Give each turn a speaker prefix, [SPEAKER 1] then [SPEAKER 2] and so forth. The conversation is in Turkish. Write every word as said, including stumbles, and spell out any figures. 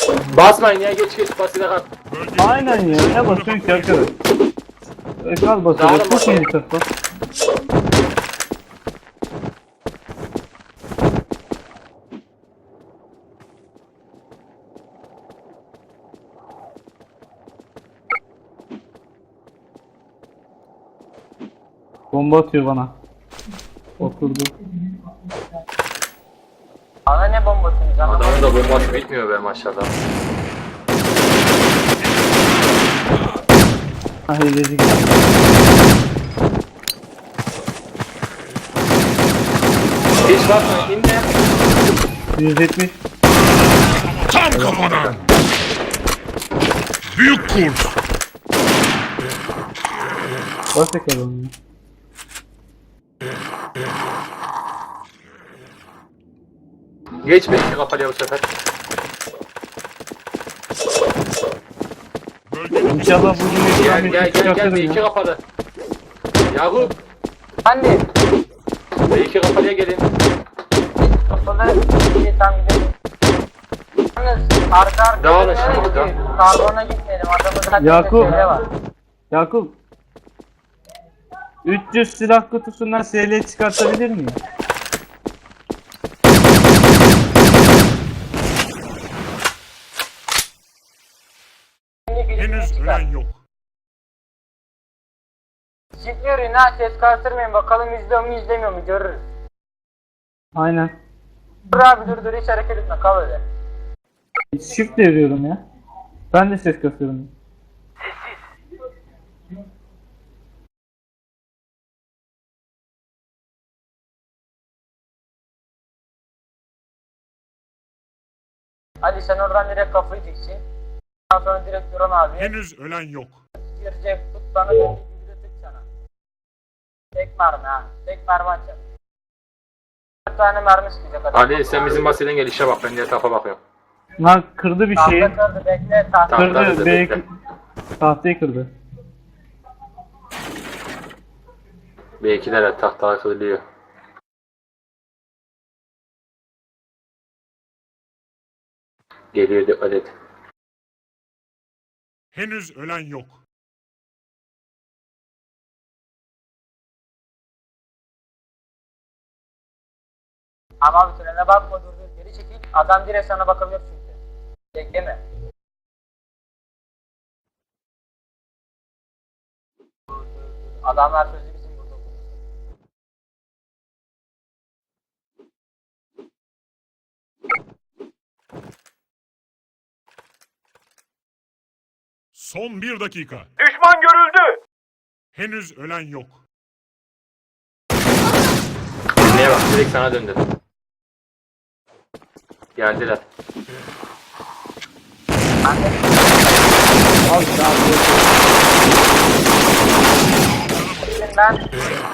[SPEAKER 1] Basmayın ya, geç geç basıyla kal.
[SPEAKER 2] Aynen ya. Ne basıyorsun ki arkadaş? Ekran basıyor.
[SPEAKER 1] Dağılın
[SPEAKER 2] Çok iyi
[SPEAKER 1] bakalım.
[SPEAKER 2] tarafa. Bomba atıyor bana. Oturdu.
[SPEAKER 3] Bana ne bombasınız ama?
[SPEAKER 1] Adamın da bombası bitmiyor be maşallah.
[SPEAKER 2] Ha hileci gitti.
[SPEAKER 1] Hiç basmayın, inme.
[SPEAKER 2] yüz yetmiş.
[SPEAKER 4] Tam kafadan. Büyük kurt.
[SPEAKER 2] Bas bakalım ya.
[SPEAKER 1] Geçme iki kapalıya bu sefer.
[SPEAKER 4] Bölgenin
[SPEAKER 2] İnşallah bugün
[SPEAKER 1] Gel
[SPEAKER 2] ekran
[SPEAKER 1] gel
[SPEAKER 2] bir
[SPEAKER 1] gel gel,
[SPEAKER 2] çıkartırım
[SPEAKER 1] bir iki
[SPEAKER 2] ya.
[SPEAKER 1] kapalı. Yakup,
[SPEAKER 3] Anne.
[SPEAKER 1] bir iki kapalıya gelin.
[SPEAKER 3] Kafalı bir tam gidelim. Yalnız arka arka
[SPEAKER 1] Dağılın
[SPEAKER 3] nereye
[SPEAKER 1] şimdi,
[SPEAKER 3] gidiyor?
[SPEAKER 1] dağılın.
[SPEAKER 3] Karbona gitmeyelim. Adamın kaç
[SPEAKER 2] Yakup.
[SPEAKER 3] tane var.
[SPEAKER 2] Yakup. üç yüz silah kutusundan S L çıkartabilir miyim?
[SPEAKER 4] henüz ölen yok.
[SPEAKER 3] Çift yürüyün ha, ses kartırmayın, bakalım izliyor mu izlemiyor mu görürüz.
[SPEAKER 2] Aynen.
[SPEAKER 3] Dur abi dur dur, hiç hareket etme, kal öyle.
[SPEAKER 2] Shift deviriyorum ya. Ben de ses kasıyorum.
[SPEAKER 3] Ali sen oradan direkt kafayı diksin. Ondan sonra direkt Duran abi.
[SPEAKER 4] Henüz ölen yok.
[SPEAKER 3] Girecek, tut bana döndüğü gibi de tık sana. Tek mermi ha, tek mermi atacak. dört tane mermi sıkacak adam.
[SPEAKER 1] Ali sen bizim basıyla gel, işe bak, ben diğer tarafa bakıyorum.
[SPEAKER 2] Lan kırdı bir şeyi.
[SPEAKER 3] Tahta kırdı, bekle tahta.
[SPEAKER 1] Tamam.
[SPEAKER 2] Kırdı.
[SPEAKER 1] kırdı,
[SPEAKER 2] B
[SPEAKER 1] bekle.
[SPEAKER 2] tahtayı kırdı.
[SPEAKER 1] B ikiler tahtalar kırılıyor. Geliyor, dikkat et.
[SPEAKER 4] Henüz ölen yok.
[SPEAKER 3] Ama abi trene bakma, dur dur, geri çekil. Adam direkt sana bakabilir çünkü. Bekleme. Adamlar sözü bizim burada.
[SPEAKER 4] Son bir dakika.
[SPEAKER 3] Düşman görüldü.
[SPEAKER 4] Henüz ölen yok.
[SPEAKER 1] Dinleye bak, direkt sana döndü. Geldiler.
[SPEAKER 2] Al abi.
[SPEAKER 3] Ben